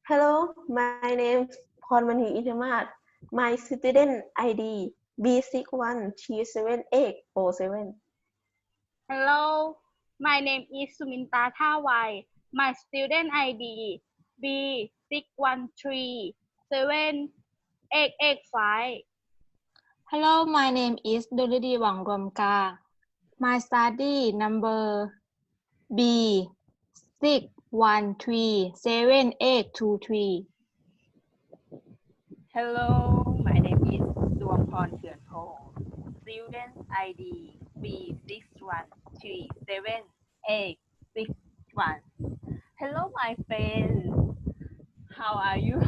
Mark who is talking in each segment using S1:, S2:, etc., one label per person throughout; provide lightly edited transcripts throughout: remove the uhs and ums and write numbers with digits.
S1: Hello, my name is Pormani Intamat. My student ID B6137A47.
S2: Hello, my name is Suminta Thawai. My student ID B61378885.
S3: Hello, my name is Dolidi Wangromka. My study number B61378823.
S4: Hello, my name is Duampon Thionpo. Student ID B61378661. Hello, my friend. How are you?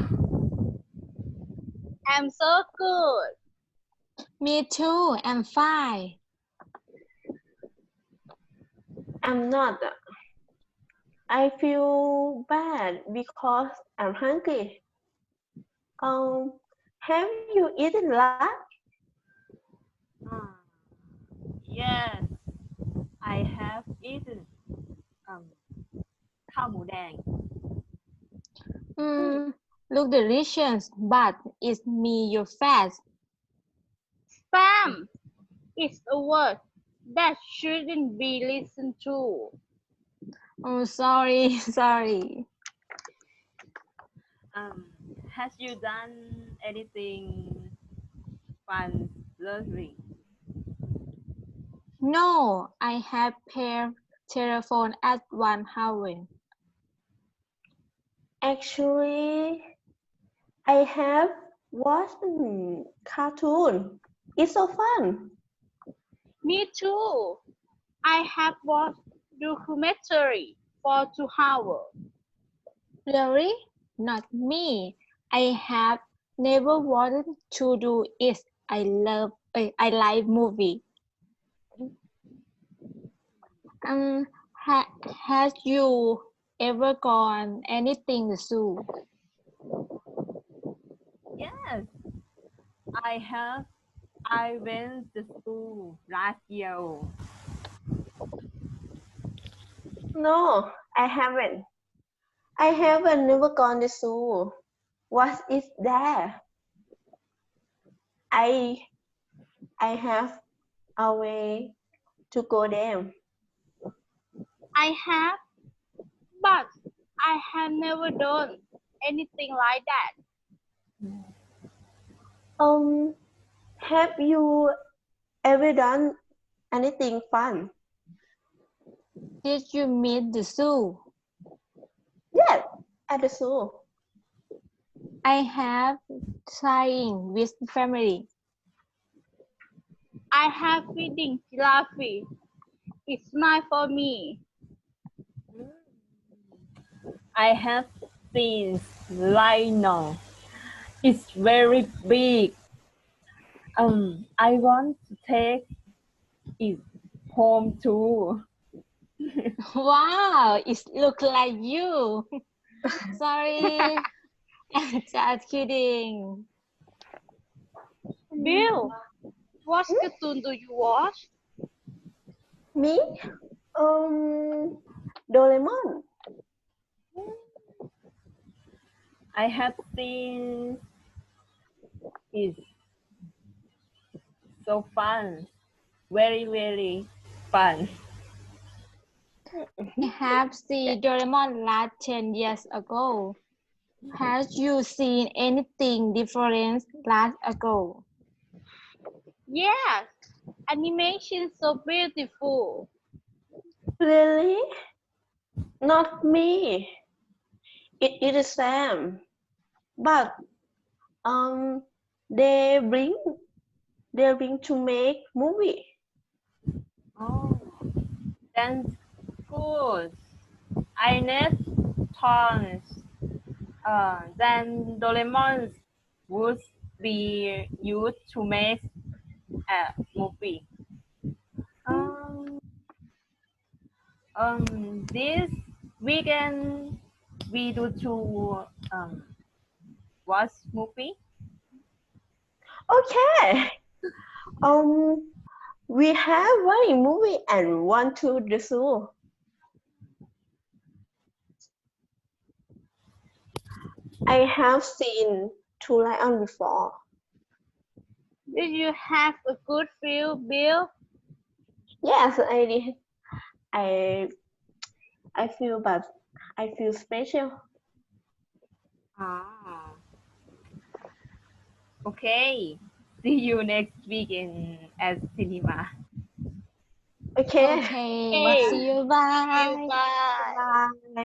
S2: I'm so good.
S3: Me too, I'm fine.
S1: I'm not. I feel bad because I'm hungry. Have you eaten lunch?
S4: Yes, I have eaten ข้าวหมูแดง
S3: Look delicious, but it's me your fast.
S2: Spam is a word that shouldn't be listened to.
S3: Oh, sorry, sorry.
S4: Has you done anything fun lately?
S3: No, I have paid telephone at 1 hour.
S1: Actually, I have watched cartoon. It's so fun.
S2: Me too. I have watched documentary for 2 hours.
S3: Really? Not me. I have never wanted to do it. I like movie. Has you ever gone anything zoo?
S4: Yes, I have. I went to school last year.
S1: No, I haven't. I haven't never gone to zoo. What is there? I have a way to go there.
S2: I have, but I have never done anything like that.
S1: Have you ever done anything fun?
S3: Did you meet the zoo?
S1: Yes, at the zoo.
S3: I have trying with family.
S2: I have feeding giraffe. It's nice for me.
S4: I have seen rhino. It's very big. I want to take it home too.
S3: Wow, it looks like you. Sorry, I'm just kidding.
S2: Bill, what cartoon do you watch?
S1: Me? Doraemon.
S4: I have seen it. So fun. Very, very fun.
S3: I have seen Doraemon last 10 years ago. Have you seen anything different last ago?
S2: Yes, animation so beautiful.
S1: Really? Not me. It is Sam. But they bring to make movie.
S4: Oh, that's good. I need tons. Then Doraemon would be used to make a movie. This weekend we do to watch movie.
S1: Okay. We have one movie and one to the zoo. I have seen two lions before.
S2: Did you have a good view, Bill?
S1: Yes, I did. I feel, but I feel special.
S4: Ah. Okay. See you next week at cinema.
S1: Okay.
S3: Okay, see you. Bye.
S2: Bye.
S1: Bye.